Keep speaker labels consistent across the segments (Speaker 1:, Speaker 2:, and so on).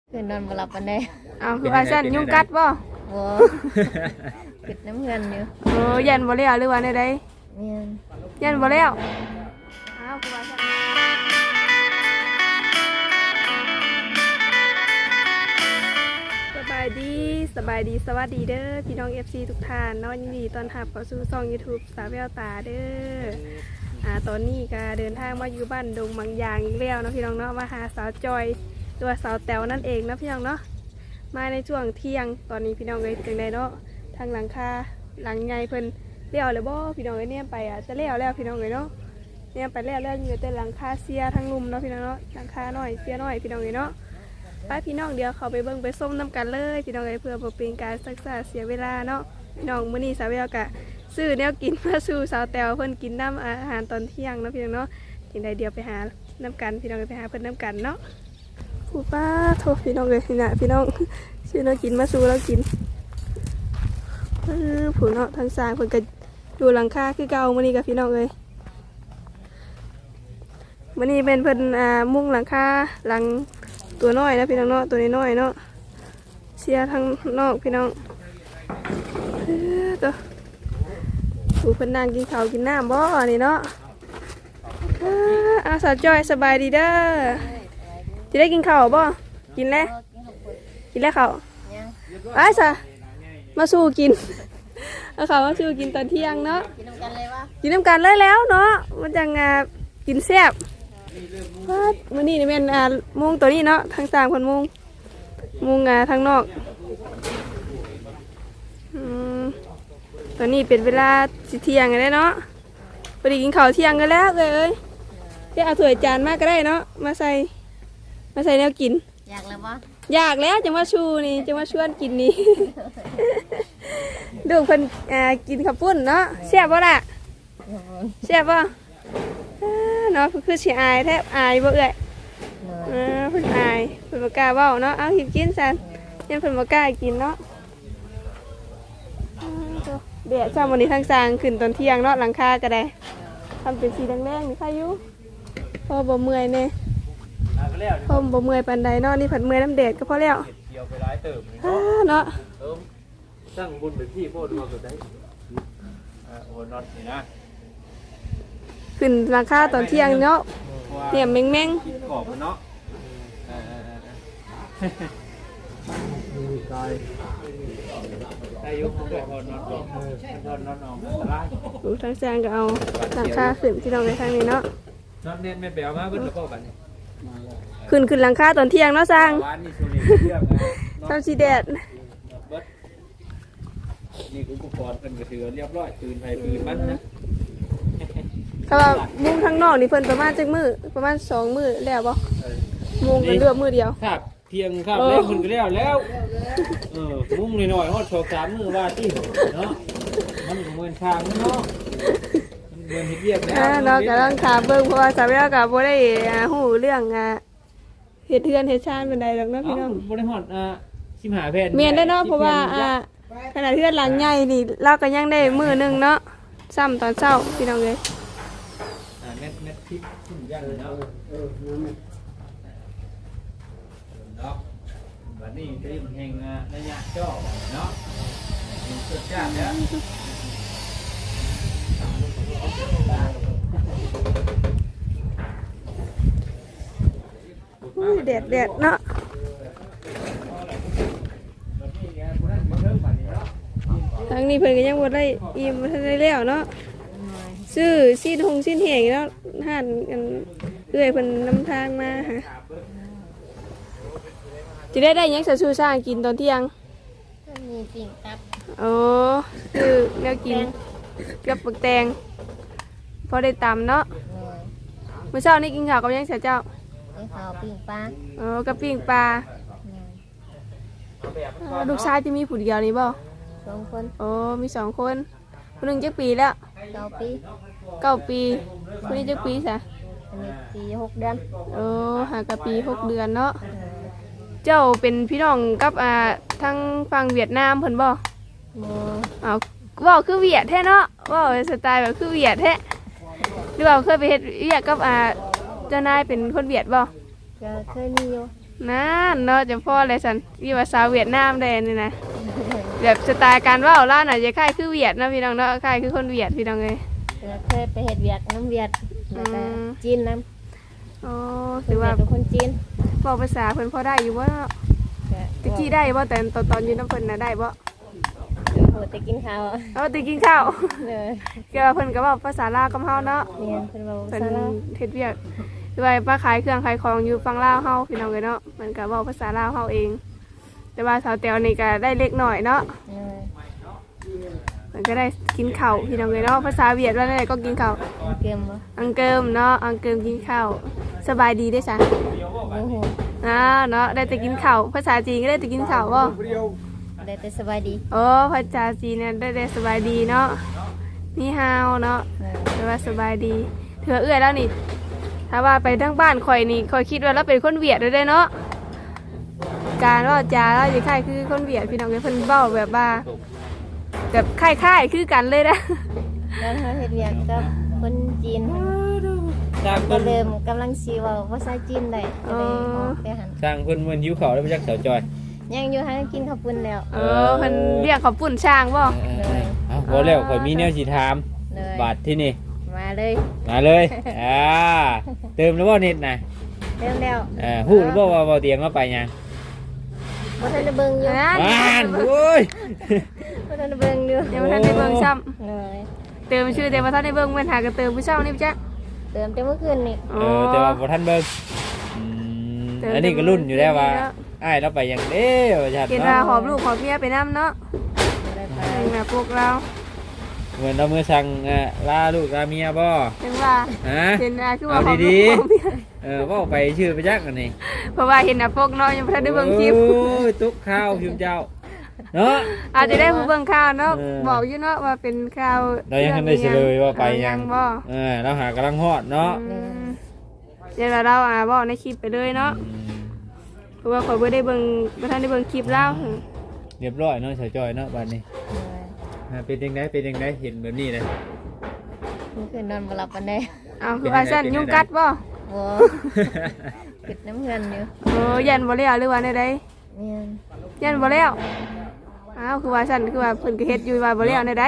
Speaker 1: คือนอนบ่หลับปานใด
Speaker 2: เอาคือว่าซั่นยุงกัดบ่
Speaker 1: บ่ปิดน้ำเงินอยู่
Speaker 2: ยันบ่แล้วหรือว่าใด
Speaker 1: แม่น
Speaker 2: ยันบ่แล้วเอาคือว่าซั่นสบายดีสวัสดีเด้อพี่น้อง FC ทุกท่านเนาะยินดีต้อนรับเข้าสู่ช่อง YouTube สาวแววตาเด้อตอนนี้ก็เดินทางมาอยู่บ้านดงบางยางอีกแล้วเนาะพี่น้องเนาะมาหาสาวจอยตัวสาวแต๋วนั่นเองนะพี่น้องเนาะมาในช่วงเที่ยงตอนนี้พี่น้องเลยจังไดเนาะทางหลังคาหลังใหญ่เพิ่นเลี้ยวเลยบ่พี่น้องเลยเนี่ยไปจะเลี้ยวแล้วพี่น้องเลยเนาะเนี่ยไปแล้วอยู่แต่หลังคาเสียทั้งลุมเนาะพี่น้องเนาะหลังคาน้อยเสียน้อยพี่น้องเลยเนาะไปพี่น้องเดี๋ยวเขาไปเบิ่งไปส้มน้ำกันเลยพี่น้องเลยเพื่อบ่เป็นการศึกษาเสียเวลาเนาะพี่น้องมื้อนี้สาวแววกะซื้อแนวกินมาสู่สาวแต๋วเพิ่นกินน้ำอาหารตอนเที่ยงเนาะพี่น้องเนาะจังไดเดี๋ยวไปหาน้ำกันพี่น้องไปหาเพิ่นน้ำกันเนาะผู้ป้าโทษพี่น้องเลยนี่นะพี่น้องซื้อเรากินมาสู่เรากินผู้เนาะทางสร้างเพิ่นก็อยู่หลังคาคือเก่ามื้อนี้กับพี่น้องเลยมื้อนี้เป็นเพิ่นมุ้งหลังคาหลังตัวน้อยนะพี่น้องเนาะตัวน้อยเนาะเสียทางนอกพี่น้องตัวผู้เพิ่นนั่งกินข้าวกินน้ำบ่นี่เนาะสาวจอยสบายดีเด้อจะได้กินข้าวบ่กินแล้วข้าวไปซะมาสู้กินเอาข้าวมาสู้กินตอนเที่ยงเนาะกินน้ำกันเลยวะกินน้ำกันเลยแล้วเนาะมันจังกินแซ่บมื้อนี้นี่แม่นมุ้งตัวนี้เนาะทางสร้างคนมุ้งทางนอกตอนนี้เป็นเวลาเที่ยงแล้วเนาะพอดีกินข้าวเที่ยงกันแล้วเลยจะเอาถ้วยจานมาก็ได้เนาะมาใส่แนวกิน
Speaker 1: อยากแล้วปะ
Speaker 2: อยากแล้วจะมาชูนี่จะมาชวนกินนี่ ดูเพิ่นกินข้าวปุ้นเนาะแซ่บบ่ล่ะแซ่บบ่เนาะคือสิอายแทบอายบ่เอ้ยเพิ่นอายเพิ่นบ่กล้าเว้าเนาะเอากินซันยังเพิ่นบ่กล้ากินเนาะเดี๋ยวเช้าวันนี้ทางสร้างขึ้นตอนเที่ยงเนาะหลังคาก็ได้ทำเป็นสีแดงๆนี่ใครอยู่พอบ่เมื่อยเนี่ยพอบ่เมื่อยปานใดเนาะนี่ผัดเมื่อยน้ำแดดก็พอแล้วเกี่ยวไปหลายเติมเนาะ
Speaker 3: ตั้งบุญเป็นพี่โพดมาสุดได้โอ้นอนนี่นะ
Speaker 2: ขึ้นหลังคาตอนเที่ยงเนาะเนี่ยแมง
Speaker 3: กรอบเนาะกายอายุผมด้วยนอนออกอะไร
Speaker 2: ดูทางแซงก็เอาหลังคาขึ้นที่เราในทางนี้เนาะ
Speaker 3: นอนเน้นไม่แปลว่าเพิ่นจะพ่อกัน
Speaker 2: ขึ้นหลังคาตอนเที่ยงเนาะสร้างทำสีแดด
Speaker 3: นี่อุปกรณ์เพิ่นก็ถือเรียบร้อยปืนไฟปืนมันนะ
Speaker 2: ถ้าว่ามุ้งทางนอกนี่เพิ่นประมาณจักมื้อประมาณ2 มื้อแล้วบ่มุ้งเป็นเลือกมื้อเดียว
Speaker 3: ครับเพียงครับแล้วเพิ่นก็แล้วมุ้งน้อยๆฮอด2-3 มื้อว่าติเนาะมันก็เหมือนทางเนาะมันเหมือนเฮ็ดเวียกแล้ว
Speaker 2: เนาะก็ต้องถามเบิ่งเพราะว่าสาวแววก็บ่ได้ฮู้เรื่องเฮ็ดเทือนเฮ็ดชานปานใดดอกเนาะพี่น้อง
Speaker 3: บ่ได้ฮอด15 แผ่น
Speaker 2: แม่นได้เนาะเพราะว่าขนาดเทือนหลังใหญ่นี่เราก็ยังได้มื้อนึงเนาะซ้ำตอนเช้าพี่น้องเอ้ย
Speaker 3: เม็ดพริกย่างเนาะเนาะบัดนี้ที่มันแห้งระยะจ่อเนาะสุดยอดแล้ว
Speaker 2: แดดเนาะทางนี้เพิ่นก็ยังบ่ได้อิ่มบ่ทันได้แล้วเนาะซื้อซีนแห้งแล้วห่านกันเอื้อยเพิ่นนำทางมาหาจะได้หยังซะสู้สร้างกินตอนเที่ยง
Speaker 1: มีปิ่งตับ
Speaker 2: คือแนวกินกับปักแตงพอได้ตำเนาะเมื่อเช้านี้กินข้าวกับยังเสียเจ้า
Speaker 1: กินข้าวปิ้งปลา
Speaker 2: กับปิ้งปลาลูกชายที่มีผู้เดียวนี่บ่
Speaker 1: 2 คน
Speaker 2: มี2 คนคนนึงจักปีแล้ว
Speaker 1: 9 ปี
Speaker 2: คนนี้จักปีซะ
Speaker 1: อันนี้ปี6 เดือน
Speaker 2: หากะปี6 เดือนเนาะเจ้าเป็นพี่น้องกับทางฝั่งเวียดนามเพิ่นบ่ว่าคือเวียดแท้เนาะว่าสไตล์แบบคือเวียดแท้หรือว่าเคยไปเฮ็ดเวียดกับเจ้านายเป็นคนเวียดบ่
Speaker 1: ก็เคยมีอยู่
Speaker 2: นั่นเนาะจะพ่อเลยสันพี่ว่าสาวเวียดนามได้นี่นะแบบสไตล์การเว่าล่าน่ะจะคล้ายคือเวียดเนาะพี่น้องเนาะคล้ายคือคนเวียดพี่น้องเลย
Speaker 1: เคยไปเฮ็ดเวียกน้ำเวียดแล้วก็จีนน้ำ
Speaker 2: อ๋อ
Speaker 1: ค
Speaker 2: ถื
Speaker 1: น
Speaker 2: อ
Speaker 1: เวี
Speaker 2: ว่าย
Speaker 1: ดเป็นคนจีน
Speaker 2: บอกภาษาเพิ่นพอได้อยู่บ่เนาะ
Speaker 1: ก็
Speaker 2: ตะกี้ได้บ่แต่ตอนอยู่น้ำเพิ่นน่ะได้บ่
Speaker 1: โหแต่กินข้าว
Speaker 2: เอาตะกินข้าว
Speaker 1: เลย
Speaker 2: ก็เพิ่นก็เว้าภาษาลาวกับเฮาเนาะ
Speaker 1: เรียนเป็นเรา
Speaker 2: เพิ่น
Speaker 1: ซาลา
Speaker 2: เฮ็ดเวียกคือว่ามาขายเครื่องขายของอยู่ฝั่งลาวเฮาพี่น้องเอ้ยเนาะมันก็เว้าภาษาลาวเฮาเอง แต่ว่าสาวแตวนี่ก็ได้เล็กน้อยเนาะ
Speaker 1: เลย
Speaker 2: มันก็ได้กินข้าวพี่น้องเอ้ยเนาะภาษาเวียดว่าได้ก็กินข้าว
Speaker 1: เกมบ่
Speaker 2: อังเกิมเนาะอังเกิมกินข้าวสบายดีได้อจ้ะ
Speaker 1: โอ้โห
Speaker 2: เนาะได้แต่กินข้าวภาษาจีนก็ได้แต่กินข้าวบ่
Speaker 1: ได้แต่สบายดี
Speaker 2: โอ้ภาษาจีนเนี่ยได้แต่สบายดีเนาะนี่ฮาวเนาะ
Speaker 1: เลย
Speaker 2: แปลว่าสบายดีเถื่อเอื้อยแล้วนี่ถ้าว่าไปทั้งบ้านข่อยนี่ข่อยคิดว่าเราเป็นคนเวียดเลยได้เนาะการว่าจาเราจะคล้ายคือคนเวียดพี่น้องเพิ่นเบ้าแบบว่าแบบคล้ายๆคือกันเลยนะ
Speaker 1: แล้วเขาเฮ็ดเวียกกับคนจีน
Speaker 3: สร้าง
Speaker 1: ก็
Speaker 3: เพิ่น
Speaker 1: เริ่มกำลังสิเว้าภาษาจีนได้ก็เลยออกไปหัน
Speaker 3: สร้างเพิ่นเหมือนหิวข้าวแล้วไปจักเสาจอย
Speaker 1: ยังอยู่หากินข้าวปุ้นแล้ว
Speaker 2: เพิ่นเรียกเขาปุ่นช่างบ่
Speaker 3: เอาบ่แล้วข่อยมีแนวสิถาม
Speaker 1: เลย
Speaker 3: บาทที่นี่
Speaker 1: มาเลย
Speaker 3: มาเลยเติมแล้วบ่เน็ตน่ะ
Speaker 1: เริ่มแล้ว
Speaker 3: ฮู้หรือบ่ว่าบ่เตียงมาไปหยัง
Speaker 1: บ่ทันได้เบิ่งอยู่
Speaker 3: บ้านโอ้ย
Speaker 1: บ่ทันได้เบิ่งอยู่
Speaker 2: ยังบ่ทันได้เบิ่งซ้ำ
Speaker 1: เลย
Speaker 2: เติมชื่อแต่บ่ทันได้เบิ่งแม่นหากระเติมผู้เช่านี่จ้ะ
Speaker 1: เติมแต่เมื่อคืนนี่
Speaker 3: แต่ว่าบ่ทันเบิ่งอันนี้ก็รุ่นอยู่แล้วว่าอ้ายเราไปหยังเด้ว่าจัด
Speaker 2: เห็นว่า
Speaker 3: เนาะ
Speaker 2: หอบลูกหอบเมียไปนํเนาะ
Speaker 1: บ่ได้ไป
Speaker 2: เป็นแบบพวกเรา
Speaker 3: เหมือนเราเมื่อสั่งลาลูกลาเมียบ่
Speaker 2: ถึงว่า
Speaker 3: ฮะ
Speaker 2: เห็นคือว่า
Speaker 3: เอา
Speaker 2: หอบ
Speaker 3: ดี
Speaker 2: ลูกหอบเมีย
Speaker 3: ๆว่าไปชื่อไปจักอันนี้
Speaker 2: เพราะว่าเห็นพวกน้อยยังบ่ทันได้เบิ่งคลิป
Speaker 3: โอ้ยตุ๊กข้าวพิมเจ้าเนาะ
Speaker 2: อาจจะได้ผู้เบิ่งข่าวเนาะ
Speaker 3: เออ
Speaker 2: บอกอยู่เนาะว่าเป็นข่าว
Speaker 3: เรายังทันได้เฉลยว่าไปยัง
Speaker 2: บ่
Speaker 3: เราหากำลังฮอดเนาะ
Speaker 2: เดี๋ยวเราบอกในคลิปไปเลยเนาะเพราะว่าข่อยบ่ได้เบิ่งบ่ทันได้เบิ่งคลิปแล้ว
Speaker 3: เรียบร้อยเนาะชาวจอยเนาะบัดนี้
Speaker 1: เลย
Speaker 3: เป็นยังไงเป็นยังไงเห็นแบบนี้เลย
Speaker 1: เมื่อคืนนอนบ่หลับปานใด
Speaker 2: เอาคือว่าซั่นยุงกัดบ่
Speaker 1: บ่ปิดน้ำเงินอยู่
Speaker 2: โอ้ยันบ่แล้วหรือว่าใด
Speaker 1: แม่น
Speaker 2: ๆยันบ่แล้วอ้าวคือว่าซั่นคือว่าเพิ่นก็เฮ็ดอยู่ว่าบ่แล้วใด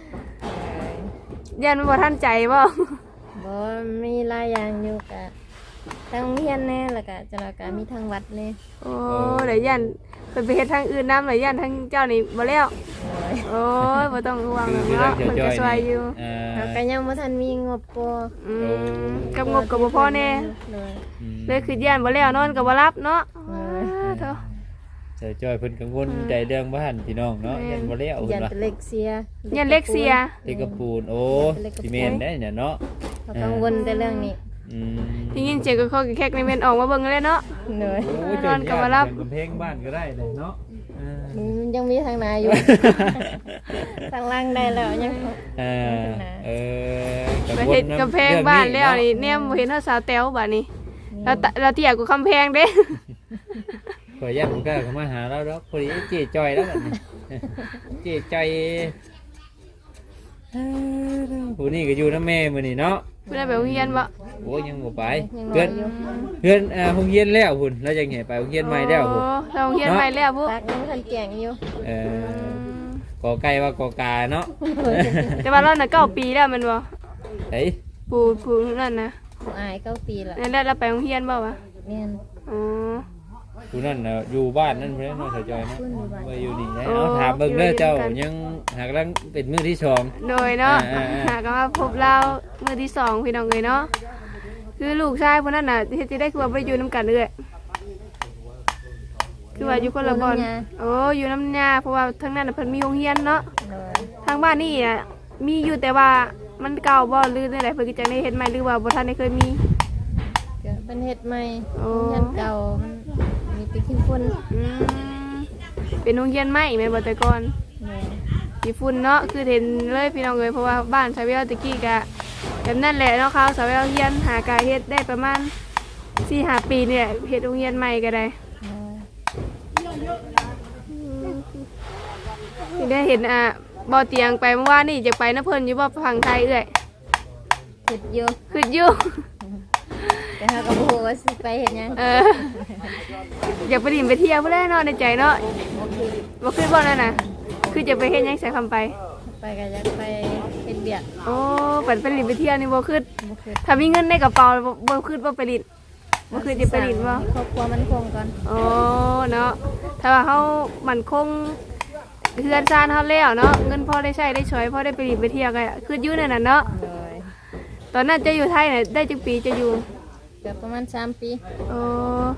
Speaker 2: ๆยันบ่ทันใจบ่
Speaker 1: บ่มีหลายอย่างอยู่กะทั้งโรงเรียนแน่แล้วก็จังก็มีทางวัดแน่
Speaker 2: โอ้เดี๋ยวยันเพิ่นไปเฮ็ดทางอื่นนำแล้วยันทางเจ้านี่บ่แล้ว
Speaker 1: เลย
Speaker 2: โอ้ยบ่ต้องห่วง
Speaker 3: คือ
Speaker 2: เนาะ
Speaker 3: ทางชาว
Speaker 2: เพิ่น
Speaker 3: จอย
Speaker 2: ก็ช่วยอยู่
Speaker 1: เราก็ยังบ่ทันมีงบพอ
Speaker 2: กับงบก็บ่พอแน่
Speaker 1: เลย
Speaker 2: เลยคือย่านบ่แล้วนอนก็บ่รับเนาะเถอะ
Speaker 3: ชาวจอยเพิ่นกังวลใจเรื่องบ้านพี่น้องเนาะยันบ่แล้ว
Speaker 1: ยั
Speaker 3: เพิ่
Speaker 1: น
Speaker 3: นว่า
Speaker 1: เป็นเล็กเสีย
Speaker 2: ยันเล็กเสีย
Speaker 3: เล็กกระปูนโอ้ซีเมนได้เนี่ยเนาะ
Speaker 1: เขากังวลแต่เรื่องนี้
Speaker 2: ได้ยินเสียงก็คอแคกในเมนออกมาเบิ่งเลยเนาะ
Speaker 1: เลย
Speaker 3: โอ้ย
Speaker 2: นอนกับมารับ
Speaker 3: กำแพงบ้านก็ได้เลยเนาะ
Speaker 1: มันยังมีทางนาอยู่ ทางล่างได้แล้วยัง
Speaker 3: เออ
Speaker 2: ไปเฮ็ดกำแพงบ้านแล้วนี่แนมบ่เห็นเฮาสาวแต๋วบัดนี้เราเตี้ยกว่าคำแพงเด้
Speaker 3: ขออนุญาตผมก็เข้ามาหาเราแล้วพอดีเจ๊จอยแล้วกันเจ๊จอยผู้นี่ก็อยู่น้ำแม่มื้อนี้เนาะ
Speaker 2: เพิ่นได้ไปโรงเรียนบ่
Speaker 3: โอ้ยังบ่ไป
Speaker 1: ยัง
Speaker 3: เพื่อน
Speaker 1: อยู่
Speaker 3: เพื่อนโรงเรียนแล้วพุ่นแล้วจังไงไปโรงเรียนใหม่แล้วพุ่น
Speaker 2: เราโรงเรียนใหม่แล้วพุ
Speaker 1: ปากยังทันแก่งอยู่
Speaker 3: กอไก่ว่ากอกาเนาะ
Speaker 2: แต่ว่าเราน่ะ9ปีแล้วแม่นบ่
Speaker 3: เฮ้ย
Speaker 2: ปู่นั่นน่ะ
Speaker 1: ผู้อาย9 ปีละ
Speaker 2: นั่นแหละเราไปโรงเรียนบ่วะ
Speaker 1: แม่น
Speaker 2: อ๋อ
Speaker 3: ผู้นั่นน่ะอยู่บ้านนั่นเพิ่นเนาะเสยจอยเนาะ
Speaker 1: เพิ่นอยู่บ้าน
Speaker 3: ไปอยู่นี่เนาะถามเบิ่งเด้อเจ้ายังหากำลังเป็นมื้อที่สอง
Speaker 2: โดยเนาะ
Speaker 3: อ่า
Speaker 2: หาก็มาพบเรามื้อที่สองพี่น้องเอ้ยเนาะคือลูกชายคนนั้นน่ะเฮ็ดสิได้คือว่าบ่ได้อยู่นํกันเด้อคือว่าอยู่คนละบ่อนโอ้อยู่น้ำยาเพราะว่าทางนั้นน่ะเพิ่นมีโรงเรียนเนาะ
Speaker 1: เลย
Speaker 2: ทางบ้านนี่อ่ะมีอยู่แต่ว่ามันเก่าบ่หรือจังไดเพิ่นก็จังได้เฮ็ดใหม่หรือว่าบ่ทันได้เคยมี
Speaker 1: ก็เป็นเฮ็ดใหม่
Speaker 2: โอ้
Speaker 1: ยันเก่ามันมีแติขี้ฝุ่น
Speaker 2: อืมเป็นโรงเรียนใหม่แม่นบ่แต่ก่อน
Speaker 1: แม่น
Speaker 2: มีฝุ่นเนาะคือเห็นเลยพี่น้องเอ้ยเพราะว่าบ้านชาวเวลตะกี้ก็แบบนั้นแหละเนาะเขาชาวเวลเฮียนหากายเฮ็ดได้ประมาณ 4-5 ปีเนี่ยเฮ็ดโรงเรียนใหม่ก็ได้ นี่ได้เห็นบ่อเตียงไปเมื่อวานนี่จะไปนะเพิ่นอยู่บ่ฝั่งไทยเอ้ย
Speaker 1: เฮ็ดอยู่
Speaker 2: คืออยู่
Speaker 1: แต่เฮาก็บ่ฮู้ว่าสิไปเฮ็ดหยัง
Speaker 2: อยากไปดินไปเที่ยวเพื่อนเนาะในใจเนาะ
Speaker 1: บ่คือ
Speaker 2: บ่ขึ้นบ่นั่นน่ะคือจะไปเฮ็ดหยังใส่คำไป
Speaker 1: ไปก็อยากไปเฮ็ดเวียก
Speaker 2: โอ้ปั่นไปดินไปเที่ยวนี่บ่ขึ้น
Speaker 1: บ่คือ
Speaker 2: ถ้ามีเงินในกระเป๋าบ่ขึ้นบ่ไปดินบ่ขึ้นจะไปดินบ่
Speaker 1: ครอบครัวมันคงก่อน
Speaker 2: โอ้เนาะถ้าว่าเฮามั่นคงเฮือนซ่านเฮาแล้วเนาะเงินพอได้ใช้ได้ช่วยพอได้ไปดินไปเที่ยวก็คืออยู่นั่นน่ะเนาะ
Speaker 1: เลย
Speaker 2: ตอนนั้นจะอยู่ไทยน่ะได้จักปีจะอยู่
Speaker 1: เกือบประมาณ3 ปี
Speaker 2: โอ้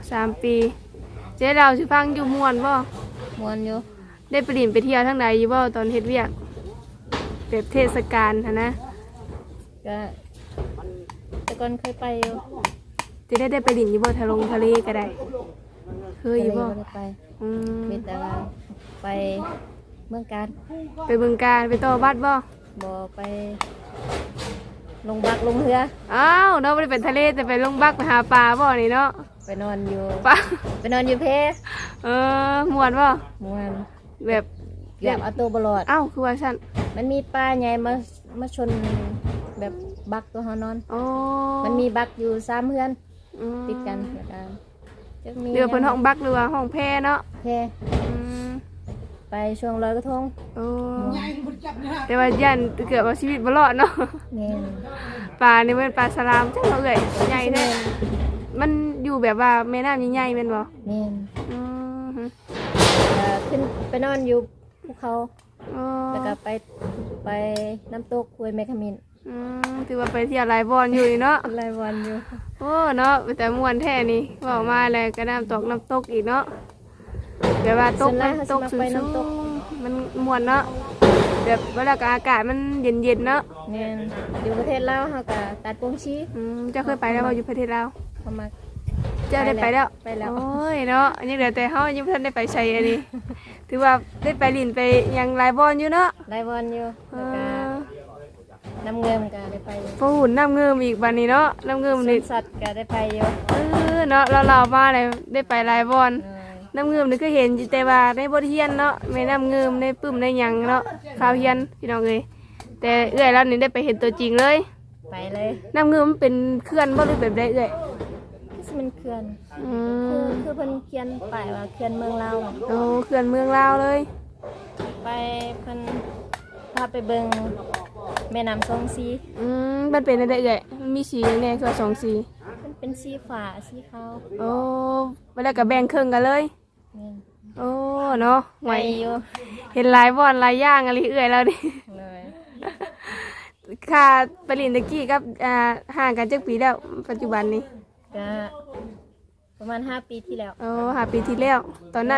Speaker 2: 3 ปีเจ๊ดาวสิฟังอยู่ม่วนบ่
Speaker 1: ม่วนอยู่
Speaker 2: ได้ไปดินไปเที่ยวทางใดอยู่บ่ตอนเฮ็ดเวียกแบบเทศกาลหั่นนะ
Speaker 1: ก็แต่ก่อนเคยไปอยู่
Speaker 2: จะได้ไปดินอยู่บ่ทะทะเลก็ได้เคยอยู่บ่
Speaker 1: ได้ไป
Speaker 2: อืม
Speaker 1: มีแต่ว่าไปเมืองการ
Speaker 2: ไปบึงกาฬไปต่อบัตรบ่
Speaker 1: บ่ไปลงบักลงเรือ
Speaker 2: อ้าวเนาะบ่ได้เป็นทะเลแต่ไปลงบักไปหาปลาบ่นี่เนาะ
Speaker 1: ไปนอนอยู่
Speaker 2: ปลา
Speaker 1: ไปนอนอยู่เพ
Speaker 2: ม่วนบ่
Speaker 1: ม่วน
Speaker 2: แบบ
Speaker 1: เกือบเอาตัวบลอด
Speaker 2: อ้าวคือว่าซั่น
Speaker 1: มันมีปลาใหญ่มาชนแบบบักตัวเฮานอน
Speaker 2: โอ้
Speaker 1: มันมีบักอยู่3เฮือน
Speaker 2: อืม
Speaker 1: ติดกันแล้วกันจักมี
Speaker 2: เรือเพิ่นห้องบักหรือว่าห้องแพเนาะ
Speaker 1: เพ
Speaker 2: อืม
Speaker 1: ไปช่วงลอยกระทง
Speaker 2: โอ้แต่ว่ายันเกือบเอาชีวิตบ่รอดเนาะ
Speaker 1: แม่น
Speaker 2: ปลานี่เป็นปลาสลามจังเนาะเอ้ยใหญ่แท้มันอยู่แบบว่าแม่น้ำใหญ่ๆแม่นบ่
Speaker 1: แม่น
Speaker 2: อืม
Speaker 1: ขึ้นไปนอนอยู่ภูเขา
Speaker 2: โอ้
Speaker 1: แล้วก็ไปน้ำตกห้วยแมคคามิน
Speaker 2: ถือว่าไปเที่ยวหลายบอนอยู่นี่เนาะ
Speaker 1: รายวันอยู่
Speaker 2: โอ้เนาะแต่ม่วนแท้นี่เว้ามาแล้วก็น้ำตกอีกเนาะแบบว่าตกมันตกสูงๆมันม่วนเนาะแบบเวลาก็อากาศมันเย็นๆเนาะ
Speaker 1: แม่นอยู่ประเทศลาวเฮาก็ตัดโปงชี
Speaker 2: เจ้าเคยไปแล้วบ่อยู่ประเทศลาว
Speaker 1: เข้ามา
Speaker 2: เจ้าได้ไปแล้ว
Speaker 1: ไปแล้ว
Speaker 2: โอ้ยเนาะอันนี้เหลือแต่เฮายังบ่ทันได้ไปใช้อันนี้ ถือว่าได้ไปลินไปยังหลายบอนอยู่เนาะ
Speaker 1: รายวันอยู่
Speaker 2: เอ
Speaker 1: แล้วก็
Speaker 2: อ
Speaker 1: น้ำเงิมก็ได้ไปอยู่
Speaker 2: ปูหุ่นน้ำเงิมอีกบัดนี้เนาะน้ำเงิม
Speaker 1: สว
Speaker 2: นี่
Speaker 1: นสัตว์ก็ได้ไปอยู่
Speaker 2: เนาะเรามาเลยได้ไปหลายบอน
Speaker 1: เออ
Speaker 2: น้ำเงิมนี่ก็เห็นอยู่แต่ว่าในบทเรียนเนาะไม่น้ำเงิมในปึ้มในหยังเนาะข่าวเรียนพี่น้องเอ้ยแต่เอื้อยแล้วนี่ได้ไปเห็นตัวจริงเลย
Speaker 1: ไปเลย
Speaker 2: น้ำเงิมมันเป็นเคลื่อนบ่หรือแบบใดเอื้อย
Speaker 1: คือมันเขื่อน
Speaker 2: อื
Speaker 1: คือเพิ่นเขียนป้ายว่าเขื่อนเมืองลาว
Speaker 2: โอ้เคลื่อนเมืองลาวเลย
Speaker 1: ไปเพิ่นพาไปเบิ่งแม่น้ำสองสี
Speaker 2: มันเป็นอะไรเอื้อยมันมีสีแน่คือ2 สี
Speaker 1: มันเป็นสีฟ้าสีขาว
Speaker 2: โอ้เวลาก็แบ่งครึ่งกันเลย
Speaker 1: นี่
Speaker 2: โอ้เนาะ
Speaker 1: ไป
Speaker 2: ไหว
Speaker 1: อยู่
Speaker 2: เห็นหลายบอนหลายอย่างอะไรเอื้อยแล้วนี่
Speaker 1: เลย
Speaker 2: ค่ะปริญญากี้กับห่างกันจักปีแล้วปัจจุบันนี้
Speaker 1: ก็ประมาณ5 ปีที่แล้ว
Speaker 2: โอ้5 ปีที่แล้ว ตอนนั้น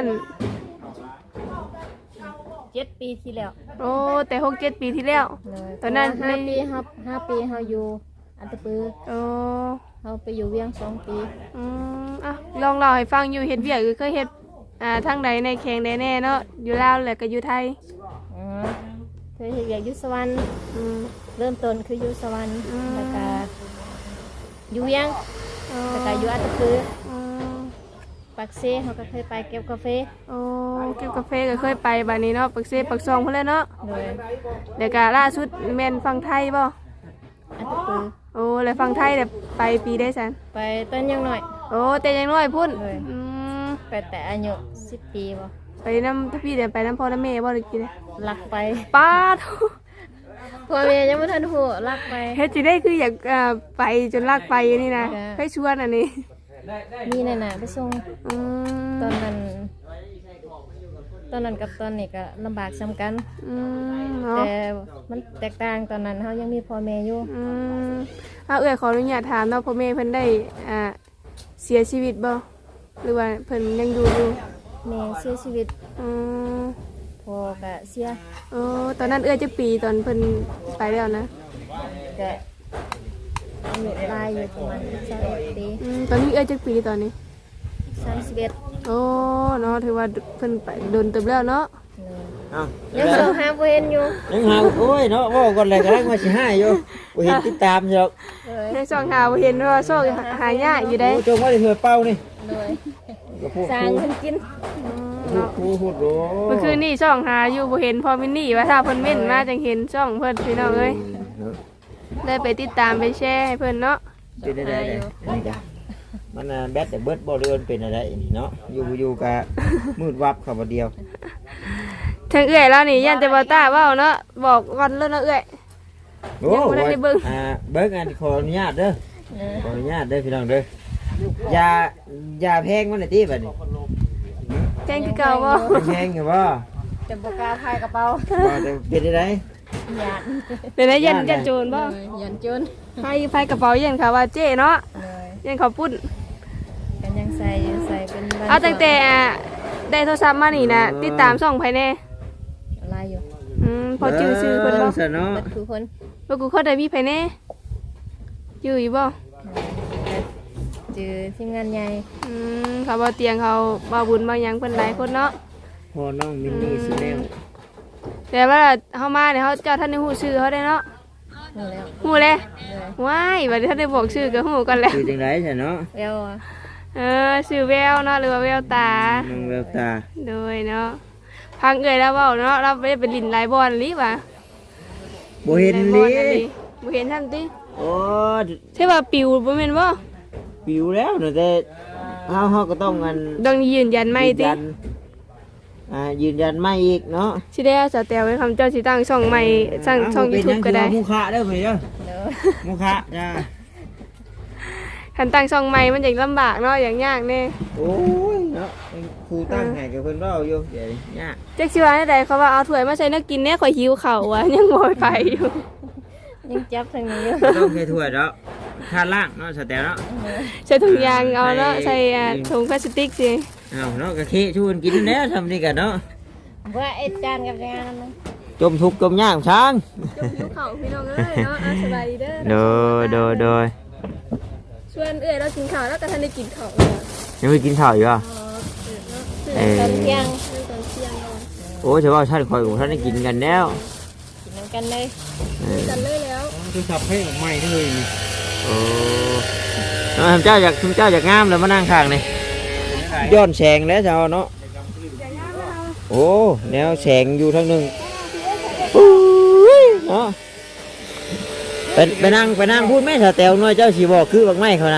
Speaker 1: 7 ปีที่แล้ว
Speaker 2: โอ้แต่6-7 ปีที่แล้ว
Speaker 1: เลย
Speaker 2: ตอนนั้น
Speaker 1: เพราะว่า5 ปีครับ5 ปีเฮาอยู่อันตะปือ
Speaker 2: โอ้
Speaker 1: เฮาไปอยู่เวียง2 ปี
Speaker 2: อ่ะลองเล่าให้ฟังอยู่เฮ็ดเวียกคือเคยเฮ็ดทางใดในแข่งใดแน่เนาะอยู่ลาวแล้วก็อยู่ไทย
Speaker 1: อ๋อเคยเฮ็ดเวียกอยู่สวรรค์
Speaker 2: อืม
Speaker 1: เริ่มต้นคืออยู่สวรรค์
Speaker 2: อืม
Speaker 1: แล้วก็อยู่เวียง
Speaker 2: โอ้
Speaker 1: แล้วก็อยู่อันตะปือ
Speaker 2: อืม
Speaker 1: ปักเซเฮาก็เคยไปเก็บกาแฟ
Speaker 2: โอ้เก็บกาแฟก็เคยไปบัดนี้เนาะปักเซปักซองพุ่นแหล้วเนาะ
Speaker 1: เลย
Speaker 2: แล้วก็ล่าสุดแม่นฟังไทยบ่
Speaker 1: อันตะปือ
Speaker 2: โอ้แล้วฟังไทยแบบไปปีได้ซัน
Speaker 1: ไปต้นยังหน่อย
Speaker 2: โอ้แต่ยังน้อยพุ่น
Speaker 1: เลย
Speaker 2: ม
Speaker 1: ไปแต่อายุ10 ปีบ่
Speaker 2: ไปน้ำถ้าพี่เดี๋ยวไปน้ำพ่อน้ำแม่บ่ได้กินเลย
Speaker 1: ลักไป
Speaker 2: ป้าด
Speaker 1: พ่อแม่ยังบ่ทันฮู้ลักไป
Speaker 2: เฮ็ดจิได้คืออยากไปจนลากไปนี่นะ
Speaker 1: จ้ะ
Speaker 2: ให้ชวนอันนี้
Speaker 1: มีนั่นน่ะไปส่ง
Speaker 2: อืม
Speaker 1: ตอนนั้นกับตอนนี้ก็ลำบากซ้ำกัน
Speaker 2: เนาะ
Speaker 1: แต่มันแตกต่างตอนนั้นเฮายังมีพ่อแม่อยู่
Speaker 2: เอื้อยขออนุญาตถามเนาะพ่อแม่เพิ่นได้เสียชีวิตบ่หรือว่าเพิ่นยังอยู่อยู่
Speaker 1: แม่เสียชีวิต
Speaker 2: อืม
Speaker 1: พ่อก็เสีย
Speaker 2: โอ้ตอนนั้นเอื้อยจักปีตอนเพิ่นไปแล้วนะ
Speaker 1: ก็อายุหลายอยู่ประมาณ21ปี
Speaker 2: ตอนนี้เอื้อยจักปีตอนนี้
Speaker 1: 31
Speaker 2: โอ้เนาะถือว่าเพิ่นไปโดนเติบแล้วเนาะ
Speaker 3: อ้าว
Speaker 1: ยังส่งหาบ่เห็นอยู่
Speaker 3: ยังหาโอ้ยเนาะเว่าก่อนเลยกำลังมาสิให้อยู่บ่เห็นติดตามอยู่หรอก
Speaker 1: เลย
Speaker 2: ในช่องหาบ่เห็นว่าโชคหายากอยู่ได้
Speaker 3: โอ้จงว่าได้เถื่อเป้านี่
Speaker 1: เลย
Speaker 3: ก็พูด
Speaker 1: สร้างเพิ่นกิน
Speaker 3: พูดโอ้
Speaker 2: เมื่อคืนนี่ช่องหาอยู่บ่เห็นพอมินนี่ว่าถ้าเพิ่นเม่นมาจังเห็นช่องเพิ่นพี่น้องเอ้ยได้ไปติดตามไปแชร์ให้เพิ่นเนาะ
Speaker 3: เป็นได้ได้
Speaker 4: มันแบตแต่เบิดบ่เรือนเป็นอะไรเนาะอยู่กะมืดวับเข้าบ่เดียว
Speaker 2: ทางเอื้อยแล้วนี่ยันแต่บ่ตาเว้าเนาะบอกก่อนเลยเนาะเอื้อย
Speaker 4: โอ้
Speaker 2: ยังบ่ได้เบิ่ง
Speaker 4: เบิ่งอันขออนุญาตเด้อขออนุญาตเด้อพี่น้องเด้อยาแพงมันน่ะติบัดนี้
Speaker 2: แจ้งคือเก่าบ่
Speaker 4: แพงอยู่บ่
Speaker 1: จะบ่กล้าพายกระเป๋า
Speaker 4: บ่ได้เป็นได้
Speaker 1: หยาด
Speaker 2: เป็นได้ยันโจรบ่
Speaker 1: หยันจน
Speaker 2: ไฟกระเป๋ายันค่ะว่าเจ้เนาะ
Speaker 1: เลย
Speaker 2: ยันเขาปุ้น
Speaker 1: กันยังใส่เป็นบ้น
Speaker 2: เอาตั้งแต่ได้โทรศัพท์มานี่นะติดตามช่องภายใน
Speaker 1: อะไรอยู่
Speaker 2: พอชื่อเพิ่นบ่
Speaker 4: ซะเนาะ
Speaker 1: เบิดคือคน
Speaker 2: ว่ากูเข้าได้มีภายในอยู่บ่
Speaker 1: จือทีมงานใหญ่
Speaker 2: เขาบ่เตียงเขาบ่บุญบ่หยังเพิ่นหลายคนเนาะ
Speaker 4: พอน้องมินนี่สิแนว
Speaker 2: แต่ว่าเฮามาเนี่ยเฮาเจ้าท่านได้ฮู้ชื่อเขาได้เนาะ
Speaker 1: หมดแล้ว
Speaker 2: ฮู้เลย
Speaker 1: เลย
Speaker 2: ว้ายบัดนี้ท่านได้บอกชื่อก็ฮู้กันแล้ว
Speaker 4: คือจังได๋ซะเนาะ
Speaker 1: แล้วอะ
Speaker 2: ชื่อแววเนาะหรือว่าแววตา
Speaker 4: น้องแววตา
Speaker 2: โดยเนาะพังเอ่ยแล้วเว้าเนาะเราบ่ได้ไปลินหลายบอลลิว่ะ
Speaker 4: บ่เห็น
Speaker 2: หลายบ
Speaker 4: ลิ
Speaker 2: อลอันนี้บ่เห็นท่านติ
Speaker 4: โอ้
Speaker 2: ใช่ว่าปิวบ่แม่นบ่
Speaker 4: ปิวแล้วเนาะแต่เฮาก็ต้องกัน
Speaker 2: ต้องยืนยันไม่ติ
Speaker 4: ยืนยันไม่อีกเนาะ
Speaker 2: สิได้เอาสแตลไว้คำเจ้าสิตั้งช่องใหม่สร้างช่อง YouTube ก็ได้
Speaker 4: มุขะเด้อเพิ่นเด้อ
Speaker 1: เด้อ
Speaker 4: มุขะจ้า
Speaker 2: คันตั้งช่องใหม่มันจะลำบากเนาะอย่างยากแน่
Speaker 4: โอ้ยเนาะครูตั้งให้กับเพิ่นเว้าอยู่เดี๋ยวนี้ยาก
Speaker 2: จักสิว่าได้เขาว่าเอาถ้วยมาใส่นักกินแน่ข่อยหิวข้าวว่ะ ยังบ่ไปอยู่
Speaker 1: ยังจับทางนี้อยู่
Speaker 4: ต้องใช้ถ้วยเนาะค่าล่างเนาะสแตลเนาะ
Speaker 2: ใส่ถุงยางเอาเนาะใส่ถุงพลาสติกสิ
Speaker 4: เอาเนาะกะเคชวนกินแล้วทำนี่กันเนาะ
Speaker 1: ว่าไอ้จานกับจานนั้น
Speaker 4: จมทุกข์จมยากช้าง
Speaker 2: จมหิวข้าวพี่น้องเอ้ยเนาะสบายดีเด้อ
Speaker 4: โดย
Speaker 2: ชวนเอ้ยเรากินข้าวแล้วก็ทันได้กินข้าว
Speaker 4: ยังไม่กินข้าวอยู่อ่ะ
Speaker 1: ตอนเที่ยง
Speaker 2: ตอนเที่ยงเนาะ
Speaker 4: โอ้ยเฉพาะท่านคอยของท่านได้กินกันแล้ว
Speaker 1: กินน้ำกันเลย
Speaker 2: กันเลยแล้ว
Speaker 3: คือขับให้ใหม่เลยนี่
Speaker 4: โอ้เจ้าอยากงามแล้วมานั่งข้างนี่ย้อนแสงแล้วเจ้าเนาะโอ้แนวแสงอยู่ทางหนึ่งเนาะไปนั่งพูดแม่สาแตวน้อยเจ้าสีบอกคือบักไม้เขานะ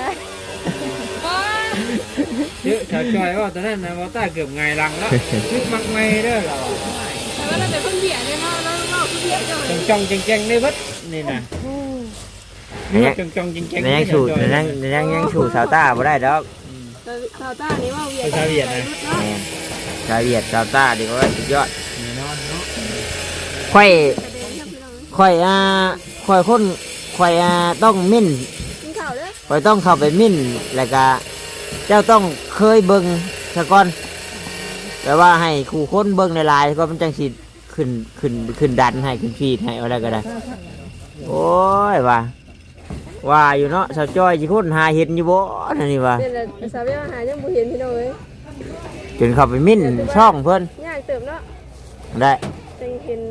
Speaker 3: เยอะชาวจอยว่าตอนนั้นนะว่าตาเกือบไงลังแล้วคือมักไม่เด้อเรา
Speaker 2: แต่ว่าเราเป็นคนเบียดเนี่ยเนาะเราคือเบียดจัง
Speaker 3: จังแจงในวัดนี่นะจังแจง
Speaker 4: ยังสูดยังสูดสาวต้าบ่ได้ดอก
Speaker 2: ชาวต้านี่ว่าเวียด
Speaker 3: ชาวเวียดนะ
Speaker 4: ชาวเวียดสาวต้าดีกว่าสุดยอด
Speaker 3: แน่นอนเนาะ
Speaker 4: ค่อยต้องมิ่น
Speaker 2: กินข้าวเด้อ
Speaker 4: ค่อยต้องเข้าไปมิ่นแล้วก็เจ้าต้องเคยเบิ่งซะก่อนแปลว่าให้ครูคนเบิ่งในลายก็มันจังสิขึ้นดันให้ขึ้นฟีดให้อะไรก็ได้โอ้ยว่าอยู่เนาะสาวจ้อยสิคนหาเห็นอยู่บ่นั่นนี่ว่า
Speaker 2: เนี่ยแหละสาวเวียดหายังบ่เห็นพี่น้องเอ้ย
Speaker 4: จนเข้าไปมิ่นช่องเพิ่น
Speaker 2: ยากเติบเนาะ
Speaker 4: ได้
Speaker 2: จังเห็น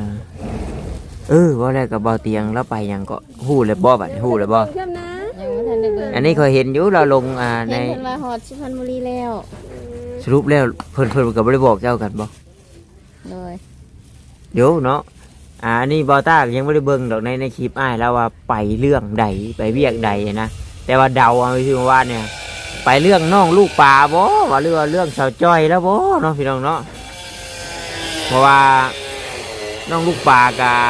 Speaker 4: ว่าแล้วกับเบาเตียงแล้วไปยังก็ฮู้เลยบ่บัดฮู้เลยบ่
Speaker 2: เพิ่มนะ
Speaker 1: ยังไม่ทันได้เบิ่ง
Speaker 4: อันนี้เคยเห็นอยู่เราลงใน
Speaker 1: เห็นเพิ่นว่าฮอดสุพรรณบุรีแล้ว
Speaker 4: สรุปแล้วเพิ่นก็บ่ได้บอกเจ้ากันบ่
Speaker 1: เลย
Speaker 4: เดี๋ยวเนาะอันนี้บอต้ายังไม่ได้เบิ่งดอกในคลิปอ้ายแล้วว่าไปเรื่องใดไปเวียกใดนะแต่ว่าเดาเอาที่ว่าเนี่ยไปเรื่องน้องลูกป่าบ่ว่าเรื่องสาวจ้อยแล้วบ่เนาะพี่น้องเนาะเพราะว่าน้องลูกป่ากะ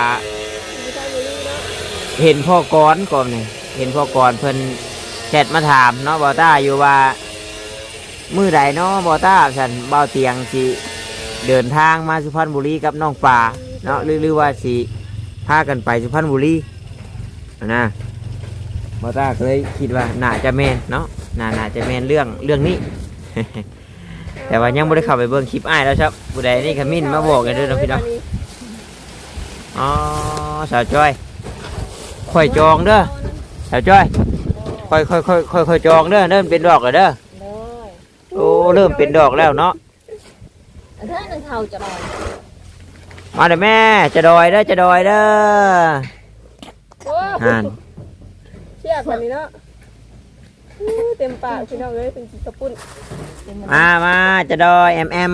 Speaker 4: เห็นพ่อก่อนนี่เห็นพ่อก่อนเพิ่นแชทมาถามเนาะบอต้าอยู่ว่ามื้อใดเนาะบอต้าฉันเบาเตียงสิเดินทางมาสุพรรณบุรีกับน้องป่าเนาะหรือว่าสิพากันไปสุพรรณบุรีนะบอต้าเคยคิดว่าน่าจะแมนเนาะน่าจะแมนเรื่องนี้ แต่ว่ายังไม่ได้เข้าไปเบิ่งคลิปอ้ายแล้วครับผู้ใดนี่ขมิ้นมาบอกกันด้วยนะพี่น้องอ๋อสาวจ้อยค่อยจองเด้อสาวจ้อยค่อยจองเด้อเริ่มเป็นดอกแล้วเด้อ
Speaker 1: เลย
Speaker 4: โอ้เริ่มเป็นดอกแล้วเนาะ
Speaker 1: ถ้าหนึ่งเท่าจะลอย
Speaker 4: มาเด้อแม่จะดอยเด้อ
Speaker 2: โอ้
Speaker 4: ห่าน
Speaker 2: เชี่ยคนนี้เนาะเต็มปากพี่น้องเอ้ยเป็นกินกระปุ้น
Speaker 4: มาจะดอยแอม
Speaker 2: นาง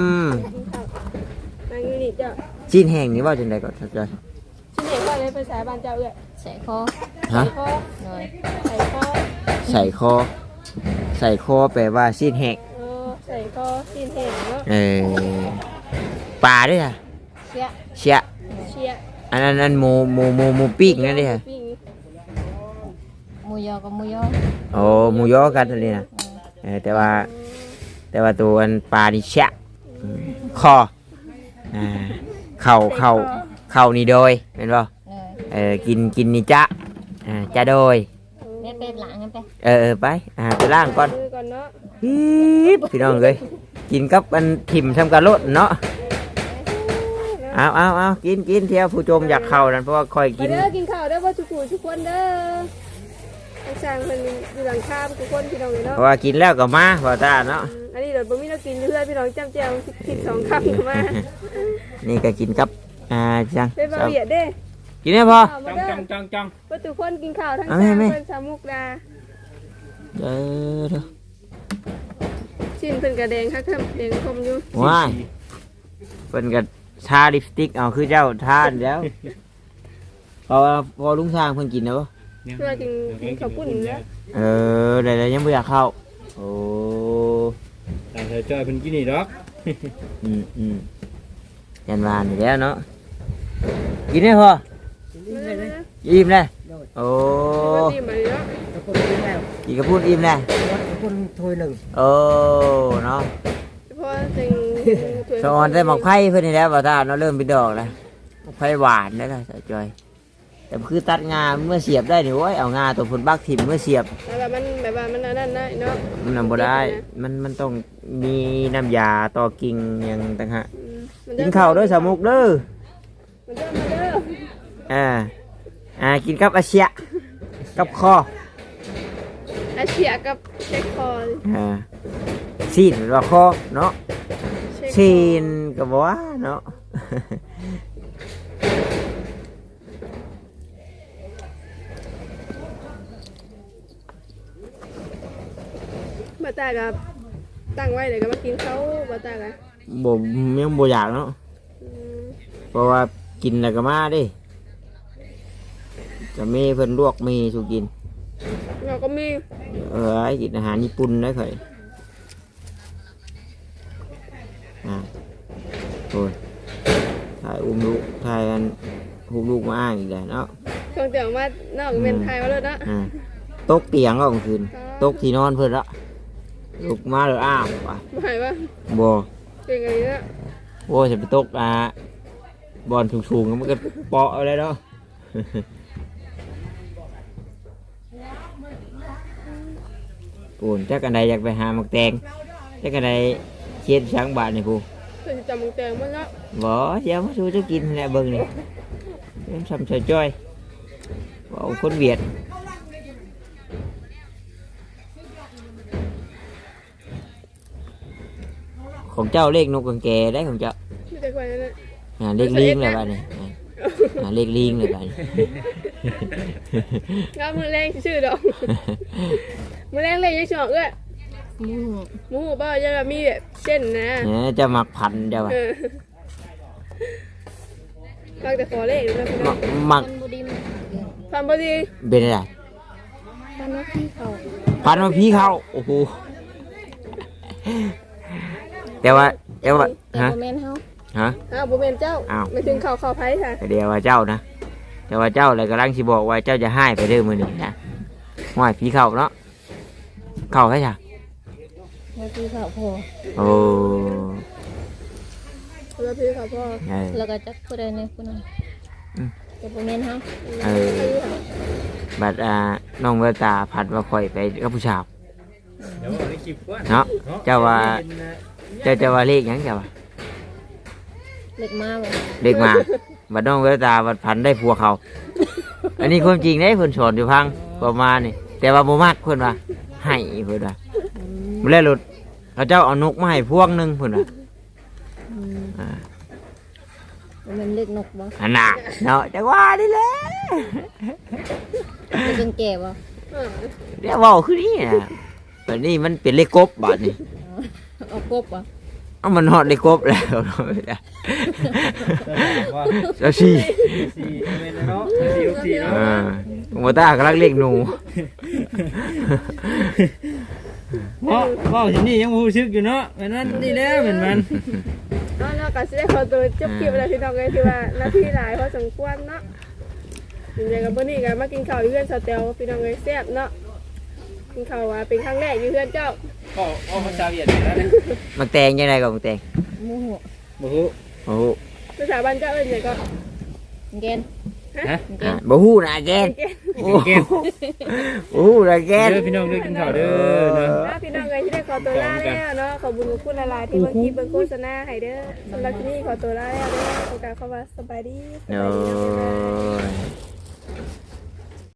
Speaker 2: นี่เจ้า
Speaker 4: ชิ้นแห้งนี่ว่าจังไดก่อนสาวจ้อย
Speaker 2: ชิ้นเห็นว่าเลยภาษาบ้านเจ้าเอ้ย
Speaker 1: ใส่คอ
Speaker 4: ฮะ
Speaker 2: คอ
Speaker 1: เลย
Speaker 2: ใส่คอ
Speaker 4: ใส่คอส่คอแปลว่าซีนแหก
Speaker 2: ใส่ก็ซีนเห็นเนาะ
Speaker 4: ปลาด้วยค่ะ
Speaker 2: เชีย
Speaker 4: เชีย
Speaker 2: เชีย
Speaker 4: อันนั้นหมูปิ้งนั่นดิค่ะ
Speaker 2: ปิ้ง
Speaker 1: หมูยอกับหมูยอ
Speaker 4: โอ้หมูยอกันอันนี้นะแต่ว่าตัวอันปลานี่เชียคอเข่านี่โดยเป็นป่ะ
Speaker 1: เลย
Speaker 4: กินนี่จะจะโดย
Speaker 1: เป็ดหลังกันไป
Speaker 4: ไปไปล่างก่อน
Speaker 2: มือก่อนเนาะ
Speaker 4: พี่น้องเลยกินกับอันถิ่มทำการลดเนาะเอากินเที่ยวผู้ชมอยากเข้านั่นเพราะว่าคอยกิน
Speaker 2: เด้อกินข้าวเด้อว่าทุกคนเด้อทางสร้างเพิ่นอยู่หลังคาทุกคนพี่น้องเนาะ
Speaker 4: เพราะว่ากินแล้วก็มาพอตาเนาะ
Speaker 2: อันนี้เดี๋ยวบ่มีเรากินเรื่อยพี่น้องจ้ำแจ่ว12คำเข้ามา
Speaker 4: นี่ก็กินกับจัง
Speaker 2: เป็นบะเบียดเด้
Speaker 4: กินได้พอ
Speaker 2: ข้าวมา
Speaker 3: จัง
Speaker 2: เด้อ
Speaker 3: จัง
Speaker 2: ว่าทุกคนกินข้าวทั้ง
Speaker 4: เอา
Speaker 2: สร้าง
Speaker 4: แม่
Speaker 2: เพิ่นสามุกดา
Speaker 4: เด้อ
Speaker 2: ชิ้นเพิ่นกระแดงค่ะครับแดงคมอยู่
Speaker 4: ว้ายเพิ่นก็ทาลิปสติกเอาคือเจ้าทานแล้วพอลุงช้างเพิ่นกินแล้วบ่
Speaker 2: เพื่อกินข้าวปุ้นแล้ว
Speaker 4: ได้ยังบ่อยากเข้าโอ้
Speaker 3: แต่เธอจอยเพิ่นกินนี่ดอก
Speaker 4: ยันวานอยู่แล้วเนาะกินได้พออิ่มเลยโอ้
Speaker 2: ดีมาเลยเนาะ
Speaker 4: กินกระพุ้นอิ่มเลย
Speaker 5: คนถ้วยหนึ่ง
Speaker 4: โอ้เนาะ
Speaker 2: เพราะเต็งถ้วย
Speaker 4: สอนได้หมอกไผ่เพื่อนนี่แล้วบ่ตาเนาะเริ่มเป็นดอกแล้วหมอกไผ่หวานได้แล้วสาวจอย แต่คือตัดงาเมื่อเสียบได้นี่โอ้ยเอางาตัวผลบักถิ่มเมื่อเสียบ
Speaker 2: แบบมันอันนั้นนะเนาะ
Speaker 4: มันนำบ่ได้มันต้องมีน้ำยาต่อกิ่งอย่างต่างหากกินข้าวด้วยสามุกเด้อ
Speaker 2: มันเด้อมาเด้อ
Speaker 4: กินกับอาเชียกับคอ
Speaker 2: อาเชียกับเช็คคอ
Speaker 4: ซีนหรือว่าคอเนาะซีนกับว่าเนาะ
Speaker 2: บาตากับตั้งไว้เลยก็มากินเขาบาตากับ
Speaker 4: บ่ยังบ่อยากเนาะเพราะว่ากินแล้วก็มาดิจะมีเพิ่นลวกมีสุกิน
Speaker 2: เราก็มี
Speaker 4: ไอ้กินอาหารญี่ปุ่นได้เคยโอ้ยถ่ายอุ้มลูกถ่ายกันอุ้มลูกมาอ้างอีกแล้วเนาะ
Speaker 2: เครื่องเตียงมานอกเมนไทยมาเลยนะ
Speaker 4: ตกเตียงก็กลางคืนตกที่นอนเพิ่นละลูกมาเลยอ้าวไป
Speaker 2: หมายว่า
Speaker 4: บ่
Speaker 2: เป็นไงเนี่ย
Speaker 4: โอ้ยจะไปตกบอลสูงๆมันก็เปาะอะไรเนาะ ปูนจักกันใดอยากไปหาหมักแตงจักกันใดเช็ดช้างบาทนี่ปู
Speaker 2: เคยจำมึงแตงมันเนาะ
Speaker 4: บ่เดี๋ยวมาสู้จะกินแหละเบิ่งนี่เริ่มซ้ำเฉยจ้อยว่าเอาคนเวียดของเจ้าเลขนกกังแกได้ของเจ้า
Speaker 2: ไม่ใช่คนนั้น
Speaker 4: เลขลิงเลยบ้านนี่เลขลิงเลยบ้านนี่
Speaker 2: ก็มือแรงชื่อดอกมือแรงเลยยังชอบเอ้ย
Speaker 1: หมู
Speaker 2: หมูบ้าจะมีแบบเส้นนะ
Speaker 4: เนี่ยจะหมักพันเจ้าว่ะ
Speaker 2: บางแต่ขอเลขนะพี่น้อง
Speaker 4: หมัก
Speaker 1: มันบุดีมัน
Speaker 2: ฟันพอดี
Speaker 4: เป็นอะไร
Speaker 1: มันว่าพี่เขา
Speaker 4: พันมาพี่เขาโอ้โหแต่ว่า
Speaker 1: แต่
Speaker 4: ฮะ
Speaker 1: โมเมนเฮา
Speaker 4: ฮะ
Speaker 2: อ้าวบุเมนเจ้า
Speaker 4: อ้าว
Speaker 2: ไม่ถึงข่าวไพ่ค่ะ
Speaker 4: แต่เดียวว่าเจ้านะแต่ว่าเจ้าเลยกำลังสิบอกว่าเจ้าจะให้ไปเด้อมือนี่นะห้อยพี่เขาเนาะเขาแค่จ้ะ
Speaker 1: แล้วพี่เขาพอ
Speaker 4: โอ้
Speaker 2: แล้วพี่ค่ะพ่อ
Speaker 1: แล้วก็จักผู้ใดในผู้นั้นแต่โมเมนเฮา
Speaker 4: บัดน้องเวลตาผัดว่าคอยไปกับผู้ชาว
Speaker 3: เดี๋ยวเอาในคลิปก่อน
Speaker 4: เนาะเจ้าว่าเจ้าว่าเลขหยังเจ้าว่า
Speaker 1: เล็กมากเลย
Speaker 4: เด็กมาบัดน้องเวลตาบัดพันได้ผัวเขา อันนี้ความจริงได้เพิ่นสอนอยู่พังประมาณนี่แต่ว่าบ่มักเพิ่นว่าให้เพิ่นว่าบ่แล้วหลุดเขาเจ้าเอานกมาให้พวงหนึงเพิ่นว่า
Speaker 1: มันเล็กนกบ่
Speaker 4: อันน่ะเนาะจังว่านี่แหละ
Speaker 1: เล็กแก่บ่
Speaker 4: เดี๋ยวเว้าคือนี่น่ะบัดนี้มันเป็นเลขกบบาดนี้
Speaker 1: เอากบบ่
Speaker 4: เอามันฮอดเลขกบแล้ว
Speaker 3: ว่า
Speaker 4: เจ้าสิ
Speaker 3: สี่เมนเนาะสี่เนาะ
Speaker 4: บ่ตากำลังเรียกหนู
Speaker 3: ว่าที่นี่ยังรู้สึกอยู่เนาะเหมือนมันนี่แล้วเหมือนมัน
Speaker 2: เนาะก็สิได้ขอตัวจบคลิปแล้วพี่น้องเลยที่ว่าหน้าที่หลายพอสมควรเนาะยังไงกับเมื่อนี้กันมากินข้าวอยู่เพื่อนสเตลพี่น้องเลยแซ่บเนาะกินข้าวว่าเป็นครั้งแรกอยู่เพื่อนเจ้า
Speaker 3: ก็เอาภาษาเวียดแล้วเนี่ย
Speaker 4: มักแตงยังไงก็มักแตง
Speaker 1: หมูหัว
Speaker 3: บ่ฮู้
Speaker 4: โอ้โห
Speaker 2: ภาษาบ้านเจ้าเอิ้นหยังก็
Speaker 1: เกน
Speaker 3: ฮะ
Speaker 4: อ่ะบ่ฮู้นะแกน
Speaker 3: โอ้เกม
Speaker 4: โอ้โหนะแกน
Speaker 3: เด้อพี่น้องเด้อกินข้าวเด้อเนาะ
Speaker 2: นะพี่น้องเลยที่ได้ขอตัวลาแล้วเนาะขอบคุณทุกคนหลายๆที่เบิ่งคลิปเบิ่งโฆษณาให้เด้อสำหรับที่นี่ขอตัวลาแล้วเด้อโอกาสเข้ามาสบายดี
Speaker 4: โอ้ย